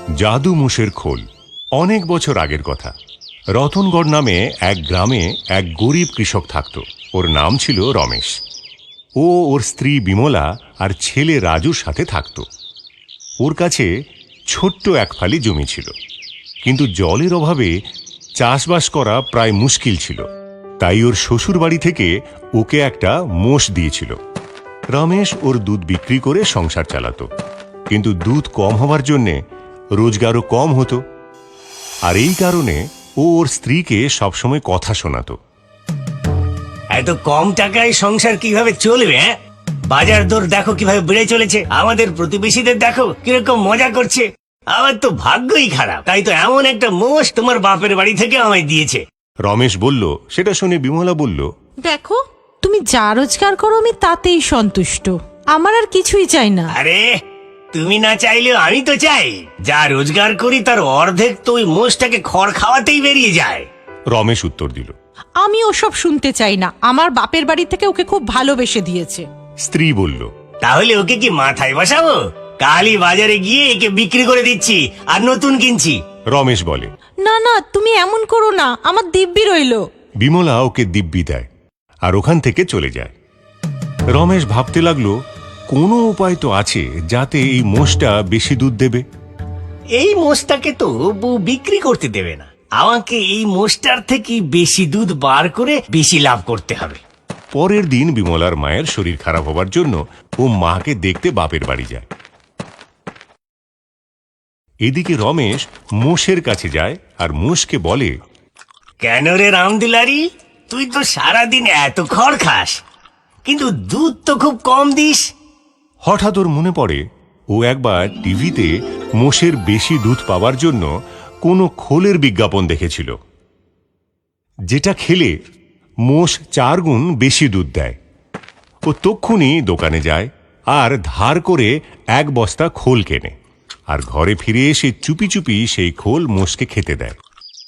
জাদু মোষের খোল। অনেক বছর আগের কথা। রতনগড় নামে এক গ্রামে এক গরিব কৃষক থাকত। ওর নাম ছিল রমেশ। ও ওর স্ত্রী বিমলা আর ছেলে রাজুর সাথে থাকত। ওর কাছে ছোট্ট এক ফালি জমি ছিল, কিন্তু জলের অভাবে চাষবাস করা প্রায় মুশকিল ছিল। তাই ওর শ্বশুর বাড়ি থেকে ওকে একটা মোষ দিয়েছিল। রমেশ ওর দুধ বিক্রি করে সংসার চালাতো, কিন্তু দুধ কম হওয়ার জন্যে রোজগারও কম হতো। আর এই কারণে ও ওর স্ত্রীকে সবসময় কথা শোনাতো। এত কম টাকায় সংসার কিভাবে চলবে? বাজার দর দেখো কিভাবে বেড়ে চলেছে। আমাদের প্রতিবেশীদের দেখো কিরকম মজা করছে। আমার তো ভাগ্যই খারাপ, তাই তো এমন একটা মোষ তোমার বাপের বাড়ি থেকে আমায় দিয়েছে। রমেশ বলল। সেটা শুনে বিমলা বলল, দেখো, তুমি যা রোজগার করো আমি তাতেই সন্তুষ্ট, আমার আর কিছুই চাই না। আরে তুমি না চাইলেও আমি তো চাই। যা রোজগার করি তার অর্ধেক তো ওই মোষটাকে খড় খাওয়াতেই বেরিয়ে যায়। রমেশ উত্তর দিল। আমি ওসব শুনতে চাই না, আমার বাপের বাড়ি থেকে ওকে খুব ভালোবেসে দিয়েছে। স্ত্রী বলল, তাহলে ওকে কি মাথায় বসাবো? কালই বাজারে গিয়ে একে বিক্রি করে দিচ্ছি আর নতুন কিনছি। রমেশ বলে। না না, তুমি এমন করো না, আমার দিব্যি রইল। বিমলা ওকে দিব্যি দেয় আর ওখান থেকে চলে যায়। রমেশ ভাবতে লাগলো, কোনো উপায় তো আছে যাতে এই মোষটা বেশি দুধ দেবে। এই মোষটাকে তো বউ বিক্রি করতে দেবে না। আমাকে এই মোষটার থেকে বেশি দুধ বার করে বেশি লাভ করতে হবে। পরের দিন বিমলার মায়ের শরীর খারাপ হবার জন্য ও মাকে দেখতে বাপের বাড়ি যায়। এদিকে রমেশ মোষের কাছে যায় আর মোষকে বলে, কেন রে রামদুলারি, তুই তো সারাদিন এত খড় খাস, কিন্তু দুধ তো খুব কম দিস। হঠাৎ ওর মনে পড়ে ও একবার টিভিতে মোষের বেশি দুধ পাওয়ার জন্য কোনো খোলের বিজ্ঞাপন দেখেছিল, যেটা খেলে মোষ 4 গুণ বেশি দুধ দেয়। ও তক্ষুনি দোকানে যায় আর ধার করে 1 বস্তা খোল কেনে আর ঘরে ফিরে এসে চুপি চুপি সেই খোল মোষকে খেতে দেয়।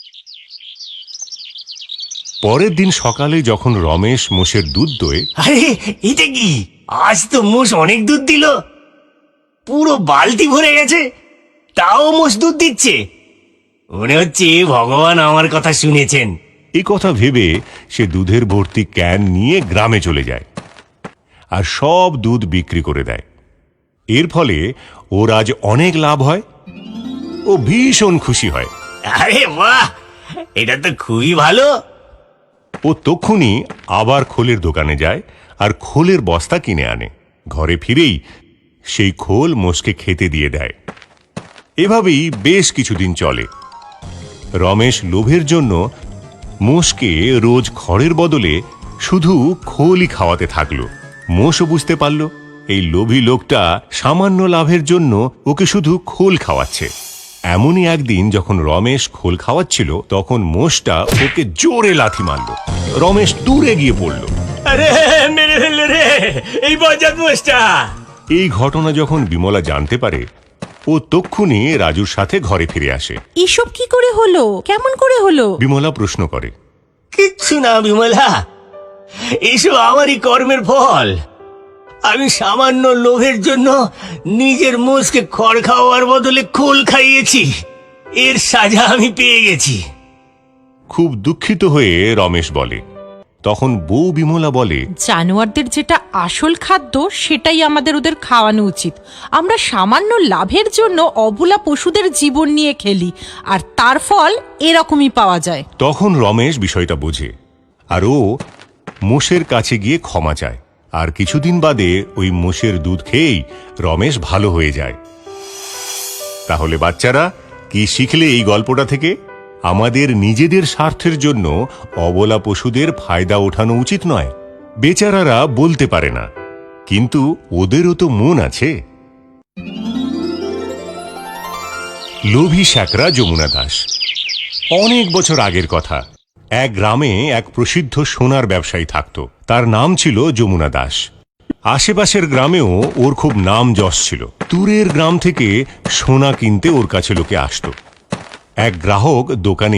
পরের দিন সকালে যখন রমেশ মোষের দুধ দোয়, আরে এটা কি, আজ তো মোষ অনেক দুধ দিল, পুরো বালতি ভরে গেছে, তাও মোষ দুধ দিচ্ছে। মনে হচ্ছে ভগবান আমার কথা শুনেছেন। এই কথা ভেবে সে দুধের ভর্তি ক্যান নিয়ে গ্রামে চলে যায় আর সব দুধ বিক্রি করে দেয়। এর ফলে ওর আজ অনেক লাভ হয়। ও ভীষণ খুশি হয়। আরে বাহ, এটা তো খুবই ভালো। ও তক্ষুনি আবার খোলের দোকানে যায় আর খোলের বস্তা কিনে আনে। ঘরে ফিরেই সেই খোল মোষকে খেতে দিয়ে দেয়। এভাবেই বেশ কিছুদিন চলে। রমেশ লোভের জন্য মোষকে রোজ খড়ের বদলে শুধু খোলই খাওয়াতে থাকলো। মোষও বুঝতে পারল এই লোভী লোকটা সামান্য লাভের জন্য ওকে শুধু খোল খাওয়াচ্ছে। এমনই একদিন যখন রমেশ খোল খাওয়াচ্ছিল, তখন মোষটা ওকে জোরে লাথি মারল। রমেশ দূরে গিয়ে পড়ল। আরে মেরে ফেললে রে এই বজ্জাত মোষটা। এই ঘটনা যখন বিমলা জানতে পারে, ও তক্ষুনি রাজুর সাথে ঘরে ফিরে আসে। এসব কি করে হলো, কেমন করে হলো? বিমলা প্রশ্ন করে। কিচ্ছু না বিমলা, এসব আমারই কর্মের ফল। আমি সামান্য লোভের জন্য নিজের মোষকে খড় খাওয়ার বদলে খোল খাইয়েছি। এর সাজা আমি পেয়ে গেছি। খুব দুঃখিত হয়ে রমেশ বলে। তখন বউ বিমলা বলে, জানোয়ারদের যেটা আসল খাদ্য সেটাই আমাদের ওদের খাওয়ানো উচিত। আমরা সামান্য লাভের জন্য অবলা পশুদের জীবন নিয়ে খেলি, আর তার ফল এরকমই পাওয়া যায়। তখন রমেশ বিষয়টা বোঝে আর ও মোষের কাছে গিয়ে ক্ষমা চায়। আর কিছুদিন বাদে ওই মোষের দুধ খেয়েই রমেশ ভালো হয়ে যায়। তাহলে বাচ্চারা, কি শিখলে এই গল্পটা থেকে? আমাদের নিজেদের স্বার্থের জন্য অবলা পশুদের ফায়দা ওঠানো উচিত নয়। বেচারারা বলতে পারে না, কিন্তু ওদেরও তো মন আছে। লোভী শ্যাকরা যমুনা দাস। অনেক বছর আগের কথা। এক গ্রামে এক প্রসিদ্ধ সোনার ব্যবসায়ী থাকত। তার নাম ছিল যমুনা দাস। আশেপাশের গ্রামেও ওর খুব নাম যশ ছিল। দূরের গ্রাম থেকে সোনা কিনতে ওর কাছে লোকে আসত। এক গ্রাহক দোকানে